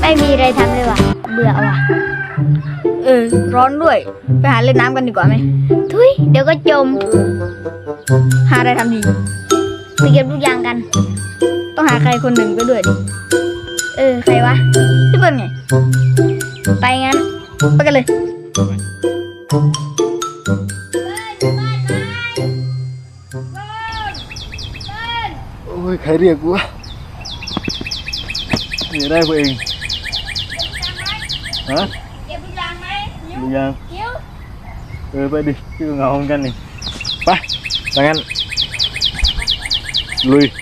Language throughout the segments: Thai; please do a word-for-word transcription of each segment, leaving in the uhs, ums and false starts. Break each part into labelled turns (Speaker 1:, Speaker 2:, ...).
Speaker 1: ไม่มีอะไรทำเลยว่ะเบื่อว่ะ
Speaker 2: เออร้อนด้วยไปหาเล่นน้ำกันดีกว่าไหม
Speaker 1: ทุยเดี๋ยวก็จม
Speaker 2: หาอะไรทำดี
Speaker 1: ไปเก็บลูกยางกัน
Speaker 2: ต้องหาใครคนหนึ่งไปด้วยดิ
Speaker 1: เออใครวะ
Speaker 2: พี่เปิ้ลไง
Speaker 1: ไปงั้น
Speaker 2: ไปกันเลย
Speaker 3: โอ้ยใครเรียกกูวะนี่ได้พวกเองฮะ
Speaker 1: เก็บลูกยางไหม
Speaker 3: ลูกยาง
Speaker 1: คิ้ว
Speaker 3: เออไปดิชื่อเงาเหมือนกันนี่ไปถ้างั้นลุย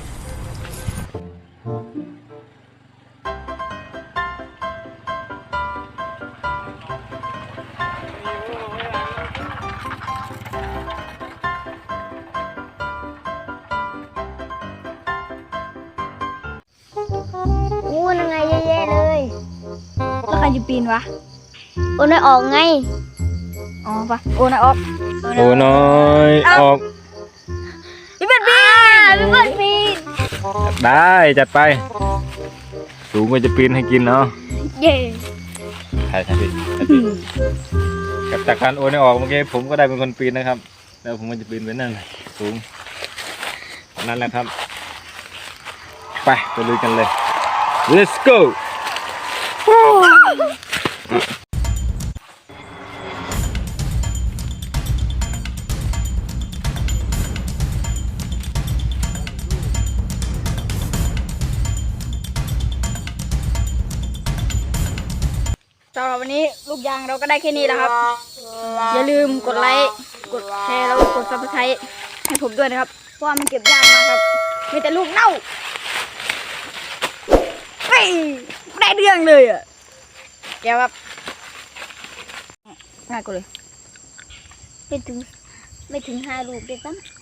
Speaker 1: อู้นั่งไงเย่ๆเลย
Speaker 2: แล้วใครจะปีนวะ
Speaker 1: โอ้นายออกไง
Speaker 2: อ๋อปะโอ้นายออก
Speaker 3: โอ้น้อยออก
Speaker 2: พี่เปิ้ลปีน
Speaker 1: พี่เปิ้ลปีน
Speaker 3: ได้จัดไปสูงก็จะปีนให้กินเนาะ
Speaker 2: เย่
Speaker 3: ใช่ใช่พี่กับจากการโอ้นออกเมื่อกี้ผมก็ได้เป็นคนปีนนะครับแล้วผมก็จะปีนไปนั่นสูงนั่นแหละครับไปไปลุยกันเลย let's go
Speaker 2: สำหรับวันนี้ลูกยางเราก็ได้แค่นี้แล้วครับอย่าลืมกดไลค์กดแชร์แล้วกดซับสไครต์ให้ผมด้วยนะครับเพราะว่ามันเก็บยากมากครับมีแต่ลูกเน่าเฮ้ยไม่ได้เรื่องเลยอ่ะเดี๋ยวครับง่ายกว่าเลย
Speaker 1: ไม่ถึงไม่ถึงห้าลูกเด็ดตั้ง